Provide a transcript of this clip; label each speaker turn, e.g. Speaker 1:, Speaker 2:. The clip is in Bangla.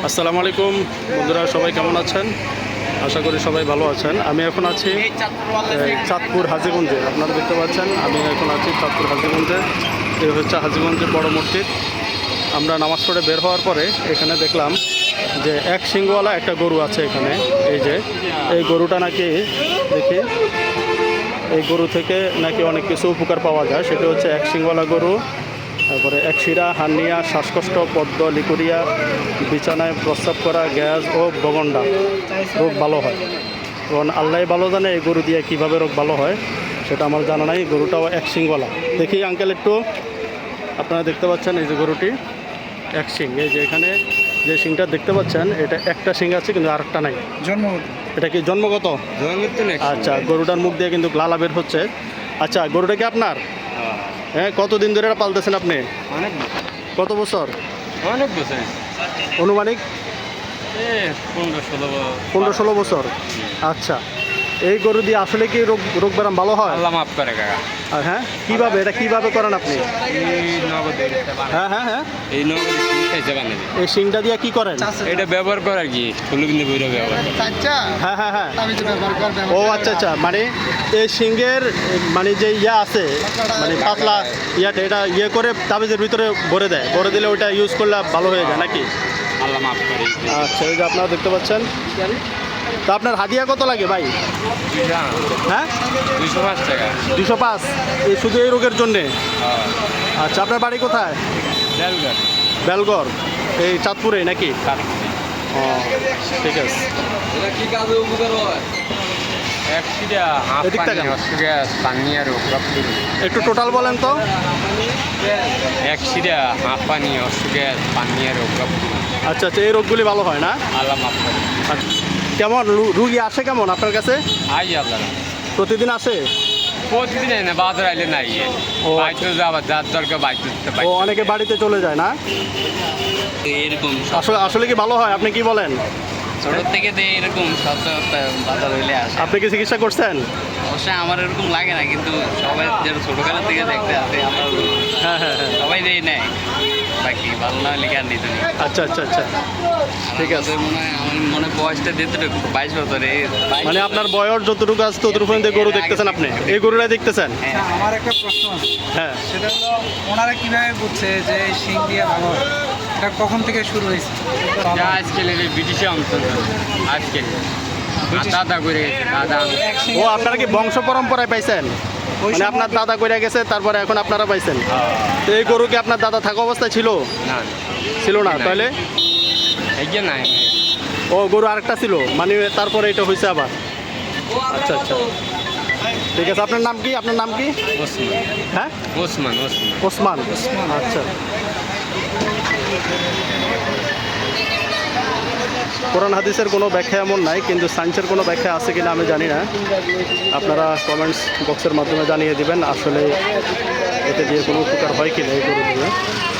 Speaker 1: আসসালামু আলাইকুম বন্ধুরা, সবাই কেমন আছেন? আশা করি সবাই ভালো আছেন। আমি এখন আছি চাঁদপুর হাজীগঞ্জে। আপনারা দেখতে পাচ্ছেন আমি এখন আছি চাঁদপুর হাজীগঞ্জে। এই হচ্ছে হাজীগঞ্জের বড় মসজিদ। আমরা নামাজ পড়ে বের হওয়ার পরে এখানে দেখলাম যে এক শিংওয়ালা একটা গরু আছে এখানে। এই যে এই গরুটা নাকি দেখি এই গরু থেকে নাকি অনেক কিছু উপকার পাওয়া যায়। সেটা হচ্ছে এক শিংওয়ালা গরু, তারপরে একশিরা, হার্নিয়া, শ্বাসকষ্ট, পদ্ম, লিকুরিয়া, বিছানায় প্রস্রাব করা, গ্যাস ও বগন্ডা রোগ ভালো হয়। এবং আল্লাহ ভালো জানে এই গরু দিয়ে কীভাবে রোগ ভালো হয়, সেটা আমার জানা নাই। গরুটাও এক শিংওয়ালা। দেখি আঙ্কেল একটু, আপনারা দেখতে পাচ্ছেন এই যে গরুটি এক শিং। এই যে এখানে যে শিংটা দেখতে পাচ্ছেন, এটা একটা শিং আছে কিন্তু আরেকটা নাই।
Speaker 2: জন্মগত।
Speaker 1: এটা কি জন্মগত? আচ্ছা, গরুটার মুখ দিয়ে কিন্তু লালা বের হচ্ছে। আচ্ছা, গরুটা কি আপনার? হ্যাঁ, কতদিন ধরে এটা পালতেছেন আপনি?
Speaker 2: অনেক
Speaker 1: কত বছর?
Speaker 2: অনেক বছর,
Speaker 1: অনুমানিক 15-16 বছর। আচ্ছা, এই গরু দিয়ে আসলে কি রোগ ব্যারাম ভালো হয়?
Speaker 2: আল্লাহ মাফ করে কাকা।
Speaker 1: আর হ্যাঁ, কীভাবে এটা কীভাবে করেন আপনি?
Speaker 2: এই নগদে
Speaker 1: হ্যাঁ হ্যাঁ হ্যাঁ,
Speaker 2: এই নগদে শিক্ষা বানাই
Speaker 1: এই শিংটা দিয়ে কি করেন?
Speaker 2: এটা ব্যবহার করে আর কি, ফুলবিন্দু বইরা ব্যবহার করে।
Speaker 1: হ্যাঁ হ্যাঁ হ্যাঁ, ও আচ্ছা আচ্ছা, মানে এই শিংয়ের মানে যে ইয়া আছে, মানে পাতলা ইয়াটা, এটা ইয়ে করে তাবিজের ভিতরে ভরে দেয়, ভরে দিলে ওইটা ইউজ করলে ভালো হয়ে যায় নাকি?
Speaker 2: আল্লাহ মাফ করে।
Speaker 1: আচ্ছা, এই যে আপনারা দেখতে পাচ্ছেন। তা আপনার হাদিয়া কত লাগে ভাই? হ্যাঁ,
Speaker 2: 205 টাকা।
Speaker 1: 205, এই শুধু এই রোগের জন্যে? আচ্ছা, আপনার বাড়ি কোথায়? বেলগড়, এই চাঁদপুরে নাকি? ও, ঠিক আছে।
Speaker 2: এটা কি কাজে উপকার হয়?
Speaker 1: এদিক থেকে একটু টোটাল বলেন তো। আচ্ছা আচ্ছা, এই রোগগুলি ভালো হয় না? আচ্ছা, কেমন রুগী আসে কেমন আপনার কাছে? প্রতিদিন আসে?
Speaker 2: প্রতিদিন না, বাজার আইলে নাই।
Speaker 1: ও,
Speaker 2: বাইতে যাবার যার দরকার বাইতে
Speaker 1: ও, অনেকে বাড়িতে চলে যায় না?
Speaker 2: এরকম
Speaker 1: আসলে আসলে কি ভালো হয়, আপনি কি বলেন?
Speaker 2: ছোট থেকে এরকম বাজার হইলে আসে।
Speaker 1: আপনি কি চিকিৎসা করছেন?
Speaker 2: অবশ্যই আমার এরকম লাগে না, কিন্তু সবাই যেন ছোটকালের থেকে দেখতে আসে, আমরা
Speaker 1: হ্যাঁ হ্যাঁ হ্যাঁ,
Speaker 2: সবাই দিয়ে নেয়। বাকি ভালো না হলে আর নিতে নেই।
Speaker 1: আচ্ছা আচ্ছা আচ্ছা, ঠিক আছে।
Speaker 2: মনে হয় আমার মনে বয়সটা দিতে 22 বছর।
Speaker 1: মানে আপনার বয়স যতটুকু আছে ততটুকু গরু দেখতেছেন আপনি, এই গরুটাই দেখতেছেন?
Speaker 3: আমার একটা প্রশ্ন আছে,
Speaker 1: হ্যাঁ,
Speaker 3: সেটা হলো ওনারা কিভাবে বুঝছে যে শিং দিয়ে ভালো হয়? এটা কখন থেকে শুরু হয়েছে?
Speaker 2: আজকাল ব্রিটিশে অন্তর আজকাল দাদা করে দাদা।
Speaker 1: ও, আপনারা কি বংশ পরম্পরায় পাইছেন? মানে আপনার দাদা কইরা গেছে, তারপরে এখন আপনারা পাইছেন? তো এই গরু কি আপনার দাদা থাকা অবস্থায় ছিল?
Speaker 2: না,
Speaker 1: ছিল না, তাহলে?
Speaker 2: এই যে নাই।
Speaker 1: ও, গরু আরেকটা ছিল, মানে তারপরে এটা হয়েছে আবার? আচ্ছা আচ্ছা, ঠিক আছে। আপনার নাম কি? আপনার নাম কি?
Speaker 2: ওসমান।
Speaker 1: হ্যাঁ,
Speaker 2: ওসমান।
Speaker 1: ওসমান। আচ্ছা, কোরআন হাদিসের কোনো ব্যাখ্যা এমন নাই, কিন্তু সায়েন্সের কোনো ব্যাখ্যা আছে কিনা আমি জানি না। আপনারা কমেন্টস বক্সের মাধ্যমে জানিয়ে দিবেন আসলে এতে দিয়ে কোনো উপকার হয় কিনা এই গরু দিয়ে।